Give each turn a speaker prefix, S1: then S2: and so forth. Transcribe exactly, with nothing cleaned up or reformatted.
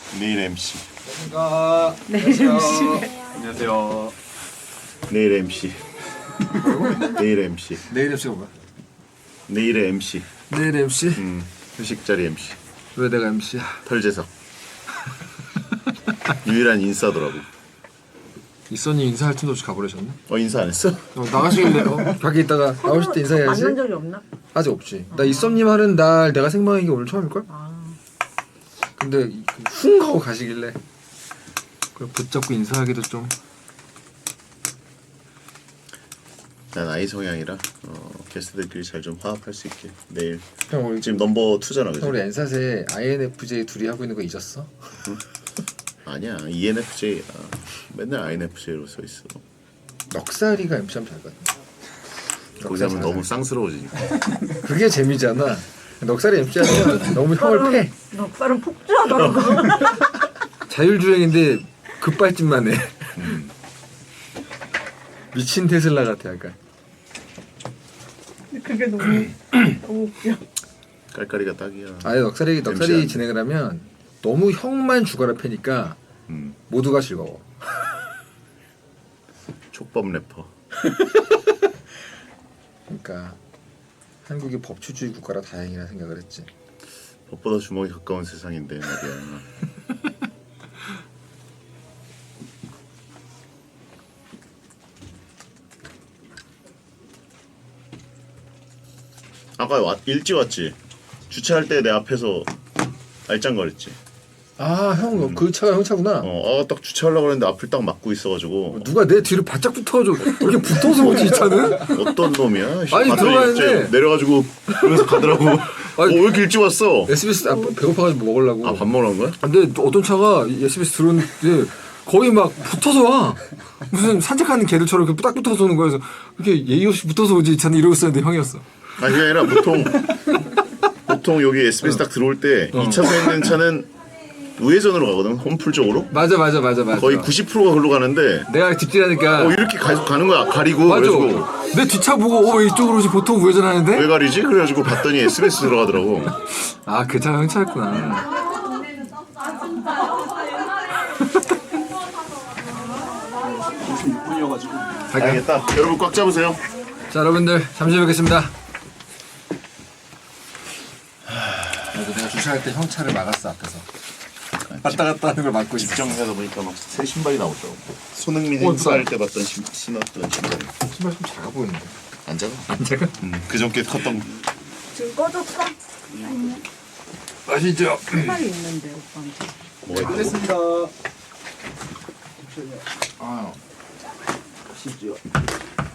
S1: 내일 엠씨.
S2: 아,
S3: 내일 엠씨.
S2: 안녕하세요.
S1: 내일 엠씨. 내일 엠씨.
S2: 내일 엠씨가 뭐야?
S1: 내일의 엠씨.
S2: 내일 엠씨?
S1: 음, 회식 자리 엠씨.
S2: 왜 내가 엠씨야?
S1: 털재석. 유일한 인싸더라고.
S2: 이선이 인사할 틈도 없이 가버리셨네?
S1: 어, 인사 안 했어?
S2: 어, 나가시길래 어, 밖에 있다가 나오실 때 인사해야지.
S3: 만난 적이 없나?
S2: 아직 없지. 나 이썸님 하는 날 내가 생방한 게 오늘 처음일걸?
S3: 아.
S2: 근데 훅 하고 가시길래 그래 붙잡고 인사하기도 좀.
S1: 난 아이 성향이라 어, 게스트들끼리 잘 좀 화합할 수 있게 내일.
S2: 형 우리
S1: 지금 넘버 투잖아, 그지?
S2: 형 우리 엔사세 아이엔에프제이 둘이 하고 있는 거 잊었어?
S1: 아니야, 이엔에프제이야. 맨날 아이엔에프제이로 써 있어.
S2: 넉살이가 엠씨하면 잘 거든.
S1: 거기 하면 너무 쌍스러워지니까.
S2: 그게 재미잖아. 넉살이 엠씨하면 너무 형을 패.
S3: 넉살은 폭주하더라고.
S2: 자율주행인데 급발진만 해.
S1: 음.
S2: 미친 테슬라 같아 약간.
S3: 그게 너무 너무 웃겨.
S1: 깔깔이가 딱이야.
S2: 아예 넉살이 넉살이
S1: 엠씨하는데.
S2: 진행을 하면 너무 형만 죽어라 패니까
S1: 음.
S2: 모두가 즐거워.
S1: 촉법 래퍼.
S2: 그러니까 한국이 법치주의 국가라 다행이라 생각을 했지.
S1: 법보다 주먹이 가까운 세상인데 말이야. 아까 왔, 일찍 왔지? 주차할 때 내 앞에서 알짱거렸지?
S2: 아 형 그 차가 형 차구나.
S1: 어, 아, 딱 주차하려고 그랬는데 앞을 딱 막고 있어가지고
S2: 누가 내 뒤를 바짝 붙어줘. 이렇게 붙어서 오지 이 차는?
S1: 어떤 놈이야?
S2: 아니,
S1: 봤더니
S2: 들어가는데.
S1: 이제 내려가지고 그러면서 가더라고. 어, 왜 이렇게 일찍 왔어?
S2: 에스비에스 아, 배고파가지고 뭐 먹으려고.
S1: 아, 밥 먹으러 간 거야?
S2: 근데 어떤 차가 에스비에스 들어오는데 거의 막 붙어서 와. 무슨 산책하는 개들처럼 이렇게 딱 붙어서 오는 거여서 이렇게 예의 없이 붙어서 오지 이 차는 이러고 있었는데 형이었어.
S1: 아니 그게 아니라 보통 보통 여기 에스비에스 딱 들어올 때
S2: 어.
S1: 이 차선에 있는 차는 우회전으로 가거든, 홈풀 쪽으로.
S2: 맞아 맞아 맞아 맞아.
S1: 거의 구십 퍼센트가 글로 가는데
S2: 내가 뒷길하니까.
S1: 어, 이렇게 계속 가는 거야, 가리고.
S2: 맞아.
S1: 그래가지고
S2: 내 뒷차 보고 어 왜 이쪽으로 오지 보통 우회전하는데?
S1: 왜 가리지? 그래가지고 봤더니 에스비에스 들어가더라고.
S2: 아 그 차가 형 차였구나.
S4: 오십육 분이어가지고
S1: 알겠다. 여러분 꽉 잡으세요.
S2: 자 여러분들 잠시 후에 뵙겠습니다. 그래도 내가 주차할 때 형 차를 막았어 앞에서. 왔다 갔다 하는 걸 막고 있어.
S1: 입장하다 보니까 막 새 신발이 나오더라고. 손흥민
S2: 어,
S1: 행사할 때 봤던 신, 신었던 신발.
S2: 신발 좀 작아 보이는데.
S1: 안 작아?
S2: 안 작아?
S1: 음, 그저께 컸던 거.
S3: 지금 꺼졌어?
S2: 맛있죠?
S3: 신발이 있는데 오빠한테.
S1: 뭐가 있다고?
S4: 됐습니다.
S2: 아
S4: 시죠.